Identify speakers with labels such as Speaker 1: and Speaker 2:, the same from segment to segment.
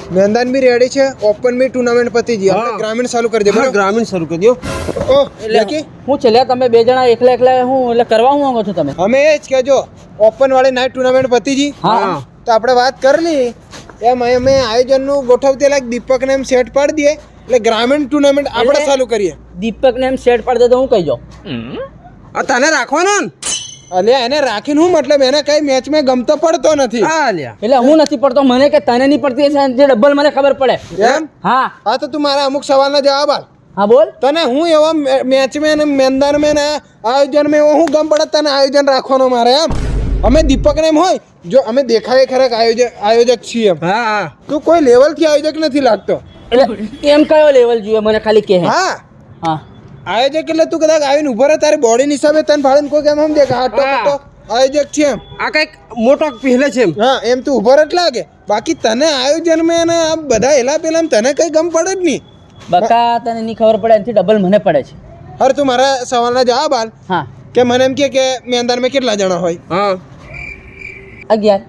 Speaker 1: मैदान भी रेडी છે, ઓપન બી ટુર્નામેન્ટ પતી ગઈ. આપણે ગ્રામીણ ચાલુ કરી દે. બરાબર,
Speaker 2: ગ્રામીણ શરૂ કરી દો.
Speaker 1: ઓ એટલે
Speaker 3: હું છે લે તમે બે જણા એકલા હું એટલે કરવા હું માંગો છો તમે?
Speaker 1: અમે એ જ કે જો ઓપન વાળી નાઇટ ટુર્નામેન્ટ પતી ગઈ.
Speaker 3: હા
Speaker 1: તો આપણે વાત કરી લી એમ અમે આયોજનનું ગોઠવતે લાગ દીપકને એમ સેટ પાડી દઈએ એટલે ગ્રામીણ ટુર્નામેન્ટ આપણે ચાલુ કરીએ.
Speaker 3: દીપકને એમ સેટ પાડી દે તો હું કહી જાઉં.
Speaker 2: આ તને રાખવાનો ને?
Speaker 1: અલ્યા એને રાખીને હું મતલબ એને કઈ મેચમાં ગમતો પડતો નથી.
Speaker 2: હા લ્યા.
Speaker 3: એટલે હું નથી પડતો, મને કે તને નહીં પડતી હશે જે ડબલ મને ખબર પડે.
Speaker 1: એમ
Speaker 3: હા
Speaker 1: હા તો તું મારા અમુક સવાલના જવાબ આપ.
Speaker 3: હા બોલ.
Speaker 1: તને હું એવા મેચમાં ને મેદાનમાં ને આયોજનમાં એવો હું ગમ પડે તને આયોજન રાખવાનો મારે એમ. અમે દીપકને એમ હોય જો અમે દેખાય ખરેક આયોજક છીએ એમ.
Speaker 2: હા હા.
Speaker 1: તું કોઈ લેવલથી આયોજક નથી લાગતો.
Speaker 3: એટલે એમ કયો લેવલ જોઈએ મને ખાલી કહે.
Speaker 1: હા
Speaker 3: હા
Speaker 1: આયોજક એટલે તું કદાચ આવીને ઉભો રહે તારી બોડી હિસાબે તને ફાળીને કોઈ કેમ સમજે કે હા તો આયોજક છે એમ.
Speaker 2: આ કઈક મોટો પહેલે છે એમ.
Speaker 1: હા એમ તું ઉભો રહે જ લાગે. બાકી તને આયોજનમાં ને આ બધા એલા પેલા તને કઈ ગમ પડે જ નહીં.
Speaker 3: બકા તને નહીં ખબર પડે એનાથી ડબલ મને પડે છે.
Speaker 1: હર તું મારા સવાલના જવાબ આલ.
Speaker 3: હા
Speaker 1: કે મને એમ કે મેદાનમાં કેટલા જણા હોય?
Speaker 2: હા
Speaker 3: 11.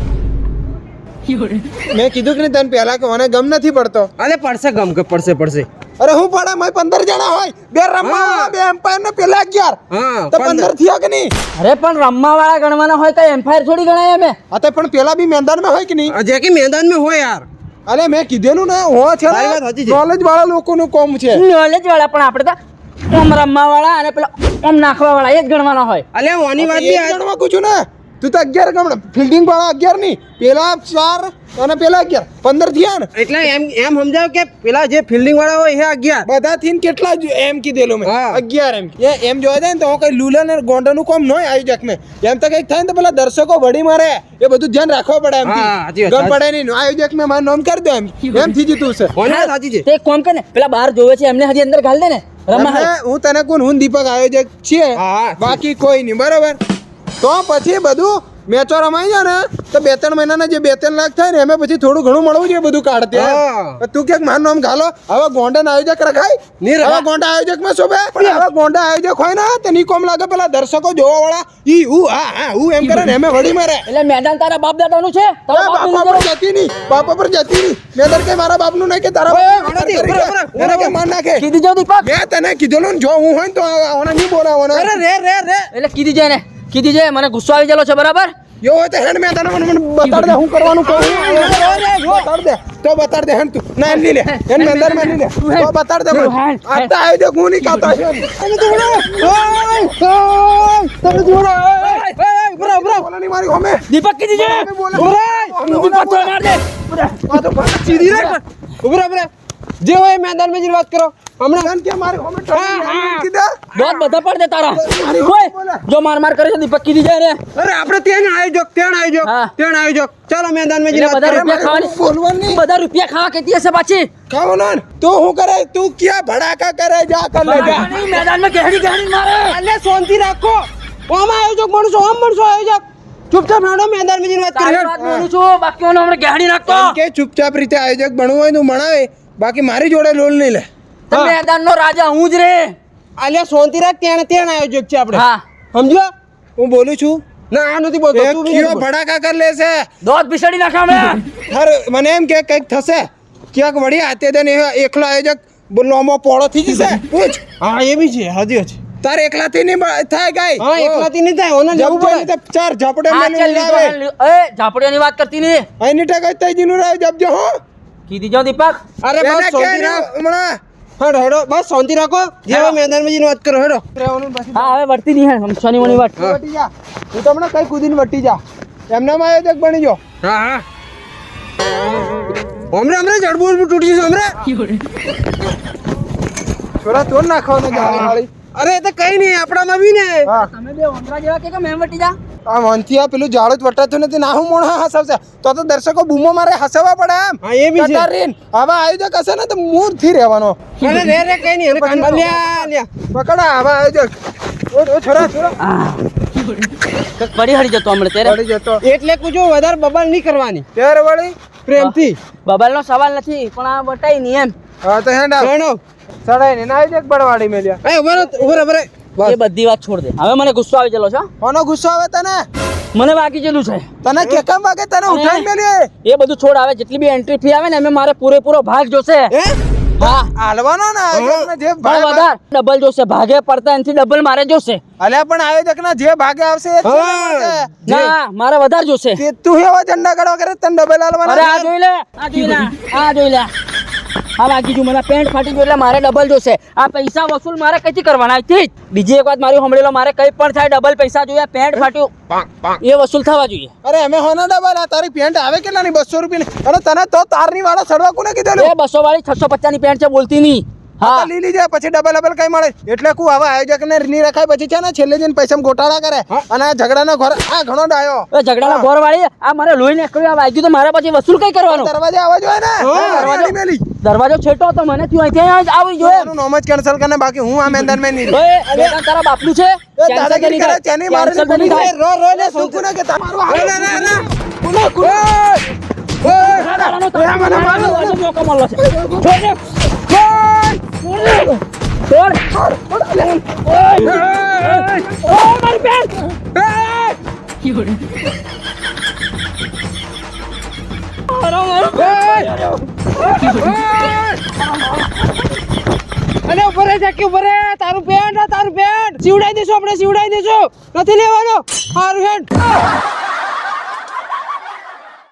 Speaker 1: મેં કીધું કે નહીં તને પહેલા કે મને ગમ નથી પડતો.
Speaker 2: અરે પડશે ગમ કે પડશે.
Speaker 1: અરે હું પડે મેં 15 જણા હોય, બે રમવા બે એમ્પાયર ને પેલા 11.
Speaker 2: હા
Speaker 1: તો 15 થયા કે નહીં?
Speaker 3: અરે પણ રમવા વાળા ગણવાના હોય કઈ એમ્પાયર થોડી ગણાય અમે.
Speaker 1: આ તો પણ પેલા બી મેદાનમાં હોય કે નહીં?
Speaker 2: જે કે મેદાન માં હોય યાર.
Speaker 1: અરે મેં કીધેલું ને હો છે
Speaker 2: તારી વાત સાચી છે.
Speaker 1: નોલેજ વાળા લોકોનું કોમ છે.
Speaker 3: નોલેજ વાળા પણ આપણે તો ઓમ રમવા વાળા અને પેલા ઓમ નાખવા વાળા એ જ ગણવાના હોય.
Speaker 2: અલ્યા ઓની વાત
Speaker 1: એ
Speaker 2: બી આ-
Speaker 1: ગણવા પૂછું ને તું તો 11 ગણ. ફિલ્ડિંગ વાળા 11 નહીં, પેલા 4 અને પેલા 11 15 થયા ને.
Speaker 2: એટલે એમ સમજાવ કે પેલા જે ફિલ્ડિંગ વાળા હોય એ 11.
Speaker 1: બધા થઈને કેટલા એમ કીધેલું મેં
Speaker 2: હા.
Speaker 1: 11 એમ જોવા જાય ને તો કઈ લુલા ને ગોંડાનું કોમ ન હોય આયોજક ને. એમ તો કઈક થાય ને તો પેલા દર્શકો વડી મારે એ બધું ધ્યાન રાખવા પડે એમ.
Speaker 2: હા, સાચી વાત,
Speaker 1: ગમ પડે નહીં આયોજક મેં મારું નામ કરી દો એમ થઈ જતું છે.
Speaker 2: ઓની વાત સાચી છે.
Speaker 3: તે એક કામ કર ને પેલા બહાર જોવે છે એમને હજી અંદર ઘાલ દે ને રમવા હાલ.
Speaker 1: એમને હું તને કોણ હું દીપક આયોજક છીએ
Speaker 2: હા.
Speaker 1: બાકી કોઈ નહીં બરોબર. તો પછી બધું મેચો રમાઈ જાય ને તો 2-3 મહિનાના જે 2-3 લાખ થાય ને એમાં પછી થોડું ઘણું મળવું જોઈએ બધું કાઢતે.
Speaker 2: હા.
Speaker 1: તું ક્યાંક મારું નામ ઘાલો હવે ગોંડા આયોજક રખાય
Speaker 2: નહીં રખાય.
Speaker 1: હવે ગોંડા આયોજક માં શોભે પણ હવે ગોંડા આયોજક હોય ને તો ની કોમ લાગે પેલા દર્શકો જોવા વાળા ઈ હું હા હું એમ કરે ને એમે વડી મારે.
Speaker 3: એટલે મેદાન તારા બાપ દાદાનું છે તારા બાપનું
Speaker 1: બાપા પર
Speaker 3: નહીં.
Speaker 1: જતી નહીં, બાપા પર જતી નહીં. મેં કઈ મારા બાપનું નહીં કે તારા બાપનું. એને કે માર નાખે.
Speaker 3: કીધી જાવ દીપક.
Speaker 1: મેં તને કીધેલું ને જો હું હોય ને તો આને નહીં બોલાવવાનો.
Speaker 2: અરે રે
Speaker 3: એટલે કીધી જાય ને કીધી જાય મને ગુસ્સો આવી ગયેલો છે બરાબર.
Speaker 1: જો હોય તો હેડ મેં તને મને બતાડ દે હું કરવાનું કહું. બતાડ દે તો બતાડ દે હેડ તું ના એમ નહીં લે એન મેદાન માં નહીં લે તો બતાડ દે મને. આ તો આવ્યો હું નહીં કાતો તમે જોડો તમે જોડો બોલા નહીં મારી હોમે
Speaker 3: દીપક કીધી જાય દીપક તો માર દે.
Speaker 1: આ તો
Speaker 2: સીધી રાખ. ઉભરા જે હોય મેદાન માં જ વાત કરો હમણાં.
Speaker 1: કે મારી હોમે કીધા
Speaker 3: દોત બધા પડ દે તારા.
Speaker 1: મારી
Speaker 3: ઓય,
Speaker 1: બોલે.
Speaker 3: જો માર કરે છે દીપક કીધી જાય ને
Speaker 2: અરે આપણે ત્યાં આયોજક ચાલો મેદાન માં જ
Speaker 3: એટલે
Speaker 2: વાત
Speaker 3: બધા
Speaker 2: કરો.
Speaker 3: રૂપિયા ખાવાની
Speaker 1: બોલવાનું નહીં
Speaker 3: બધા રૂપિયા ખાવા કેતી હશે પાછી.
Speaker 1: ખાવાનું તું શું કરે તું ક્યાં ભડાકા કરે જા કર લે જા.
Speaker 3: નહીં, મેદાનમાં ગહેડી મારે.
Speaker 2: અલ્યા શાંતિ રાખો. ઓમ આયોજક બનશો આયોજક. ચૂપચાપ હેડો મેદાન માં જ વાત
Speaker 3: તારી
Speaker 2: કરો.
Speaker 3: વાત બોલું છું બાકીઓને હમણાં ગહેડી નાખતો.
Speaker 1: એમ કે ચૂપચાપ રીતે આયોજક બનવું હોય તું ભણાવે બાકી મારી જોડે લોલ નહીં લે.
Speaker 3: તો મેદાનનો રાજા હું જ રે.
Speaker 2: અલ્યા શાંતિ રાખ ત્યાં આયોજક છે આપણે.
Speaker 3: હા
Speaker 2: સમજો.
Speaker 1: હું બોલું છું
Speaker 2: ના આ નથી બોલતો
Speaker 1: એ
Speaker 2: તું
Speaker 1: કયો ભડાકા કર લેશે.
Speaker 3: દોત બિસડી નાખા હમણાં.
Speaker 1: હર મને એમ કે કંઈક થશે ક્યાંક વળી હાથે દે ને એકલો આયોજક લોમો પોળો થઈ જશે પૂછ.
Speaker 2: હા એ બી છે હાજી છે.
Speaker 1: તારે એકલાથી નહીં થાય ગાય.
Speaker 2: હા એકલાથી નહીં થાય ઓને જવું
Speaker 1: જવું
Speaker 2: પડે.
Speaker 1: પડે ચાર ઝાપડે
Speaker 3: હા,
Speaker 1: મેલું
Speaker 3: ચાલ લીધો,
Speaker 1: આવે.
Speaker 3: હાલ લીધો. એ ઝાપડીઓની વાત કરતી નહીં.
Speaker 1: આની ટકા તૈજીનું રાવ જપજો હો.
Speaker 3: કીધી જાઓ દીપક.
Speaker 2: અરે
Speaker 1: એને
Speaker 2: બસ
Speaker 1: કે
Speaker 2: શાંતિ
Speaker 1: ને
Speaker 2: રાખ.
Speaker 1: હમણાં
Speaker 2: હેડો બસ શાંતિ રાખો જે હોય મેદાનમાં જઈને વાત કરો હેડો.
Speaker 1: રહેવાનું પછી
Speaker 3: હા હવે વળતી નહીં હે શનિ મની વાત.
Speaker 1: વટી જા તું તમને કઈ કૂદીને વટી જા એમનામાં આયોજક બની જો.
Speaker 2: હા હમણાં જડબું તૂટી જશે હમણાં.
Speaker 1: છોરા તોડ નાખવાનો જાળી વાળી.
Speaker 2: અરે એ તો કઈ નહીં આપણામાં બી ને.
Speaker 1: હા
Speaker 3: તમે બે ઓંધરા જેવા કે મેં વટી જા.
Speaker 1: આ મનથી આ પેલું જાડું જ વટાતું નથી ના હું મોણ હસાવશે તો દર્શકો બૂમો મારે હસાવવા પડે એમ.
Speaker 2: હા, એ બી છે.
Speaker 1: કટારીન. હવે આયોજક હશે ને તો મૂળથી રહેવાનો.
Speaker 2: અરે રે કઈ નહીં લ્યા
Speaker 1: પકડા હવે આયોજક ઓ છોરા
Speaker 3: પડી હળી જતો હમણાં ત્યારે.
Speaker 1: પડી જતો
Speaker 2: એટલે કુછ વધારે બબાલ નહીં કરવાની
Speaker 1: ત્યારે વળી
Speaker 2: પ્રેમથી.
Speaker 3: બબાલનો સવાલ નથી પણ આ વટાઈ નહીં એમ.
Speaker 1: હા તો હેંડા
Speaker 2: હેડો.
Speaker 1: સડાઈ ને આયોજક બળવાડી મેલ્યા.
Speaker 2: એ ઉભા રહો.
Speaker 3: એ બધી વાત છોડ દે હવે મને ગુસ્સો આવી ગયેલો છે.
Speaker 1: કોનો ગુસ્સો આવે તને
Speaker 3: મને બાકી જેલું છે
Speaker 1: તને કેકમ વાગે તને ઉઠાઈને મેલી
Speaker 3: એ બધું છોડ આવે જેટલી બી એન્ટ્રી ફી આવે ને એમાં મારે પૂરેપૂરો ભાગ જોશે હા
Speaker 1: હાલવાનો ને આયોજકને જે
Speaker 3: પણ
Speaker 1: ભાગ
Speaker 3: વધારે ડબલ જોશે ભાગે પડતા એનાથી ડબલ મારે જોશે
Speaker 1: અલ્યા પણ આયોજકના જે ભાગે આવશે એ જ મળશે.
Speaker 3: ના મારે વધારે જોશે
Speaker 1: તે તું એવા ઝંડા કાઢવા કરે તને ડબલ
Speaker 3: અરે
Speaker 1: હાલવાના
Speaker 3: આ જોઈ લે આ જોઈ લે આ જોઈ લે આ લાગી ગયું મને પેન્ટ ફાટી ગયું એટલે મારે ડબલ જોશે આ પૈસા વસૂલ મારે કઈથી કરવાના અહીંથી જ. બીજી એક વાત મારી સાંભળેલો મારે કઈ પણ થાય ડબલ પૈસા જોઈએ પેન્ટ ફાટ્યું એ વસૂલ થવા જોઈએ
Speaker 1: અરે અમે હોના ડબલ આ તારી પેન્ટ આવે કેટલાની 200 રૂપિયાની અને તને તો તારની વાળા સડવા કોને કીધેલું
Speaker 3: એ 200 વાળી 650 ની પેન્ટ છે બોલતી નહીં
Speaker 1: હા
Speaker 3: હા
Speaker 1: લીલી જાય પછી ડબલ કઈ મળે એટલે કુ હવે આયોજકને ની રખાય પછી છે ને છેલ્લે જઈને પૈસા ગોટાળા કરે અને આ ઝઘડાનો ઘર આ ઘણો ડાયો
Speaker 3: એ ઝઘડાના ઘોર વાળી આ મારે લોહી નીકળ્યું આ વાગ્યું તો મારે પછી વસૂલ કઈ કરવાનું
Speaker 1: દરવાજે આવવા જોઈએ ને દરવાજે મેલી
Speaker 3: દરવાજો છેટો તો મને થયું અહીંથી આવી જોઈએ
Speaker 1: એનું નોમ જ કેન્સલ કરને બાકી હું આ મેદાન મેં નહીં
Speaker 3: ઓય અરે તારા બાપનું છે
Speaker 1: એ દાદાગીરી કરે ચેની મારે
Speaker 3: Cancel તો નહીં થાય.
Speaker 1: રો ને શું કોને કે તમારું હાલે ના કોને ઓય મને મારો
Speaker 3: મોકો મળ્યો છે છોડ મારી પેન્ટ
Speaker 2: અને ઉપર રહી જા ઉપર તારું પેન્ટ સીવડાઈ દેશું આપણે સીવડાઈ દેશું નથી લેવાનો સારું હેડ